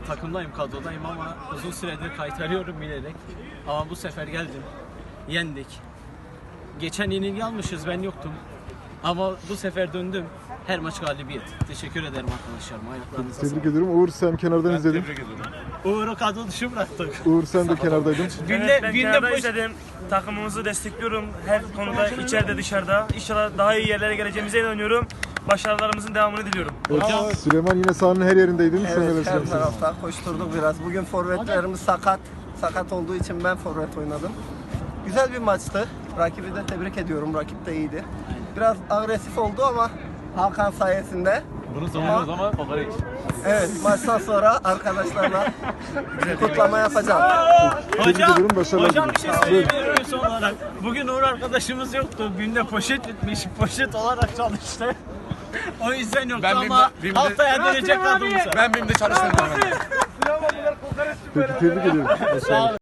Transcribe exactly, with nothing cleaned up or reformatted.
takımdayım, kadrodayım ama uzun süredir kaytarıyorum bilerek. Ama bu sefer geldim, yendik. Geçen yenilgi almışız, ben yoktum. Ama bu sefer döndüm. Her maç galibiyet. Teşekkür ederim arkadaşlarım. Ayaklarınıza Tebrik sağlık. ediyorum. Uğur sen kenardan izledin. Tebrik ediyorum. Uğur'u kadro dışı bıraktık. Uğur sen de kenardaydın. Günde, Evet, ben günde kenarda boş... izledim. Takımımızı destekliyorum. Her konuda içeride dışarıda. İnşallah daha iyi yerlere geleceğimize inanıyorum. Başarılarımızın devamını diliyorum. Evet, Süleyman yine sahanın her yerindeydin. Sen neler Evet, her söylemek istersin? tarafta koşturduk biraz. Bugün forvetlerimiz sakat. Sakat olduğu için ben forvet oynadım. Güzel bir maçtı. Rakibi de tebrik ediyorum. Rakip de iyiydi. Biraz agresif oldu ama Hakan sayesinde. Bunu savunuyoruz ama kokoreç. Evet, maçtan sonra arkadaşlarla kutlama yapacağım. Tebrik Hocam, ediyorum, başarılar hocam bir şey diliyorum. söyleyebilir miyim son olarak? Bugün Uğur arkadaşımız yoktu. Günde poşet bitmiş, poşet olarak çalıştı. O yüzden yoktu Ben ama BİM'de- BİM'de- haftaya dönecek kadromuza. Ben BİM'de çalıştım. Peki tebrik ediyorum. Sağ olun.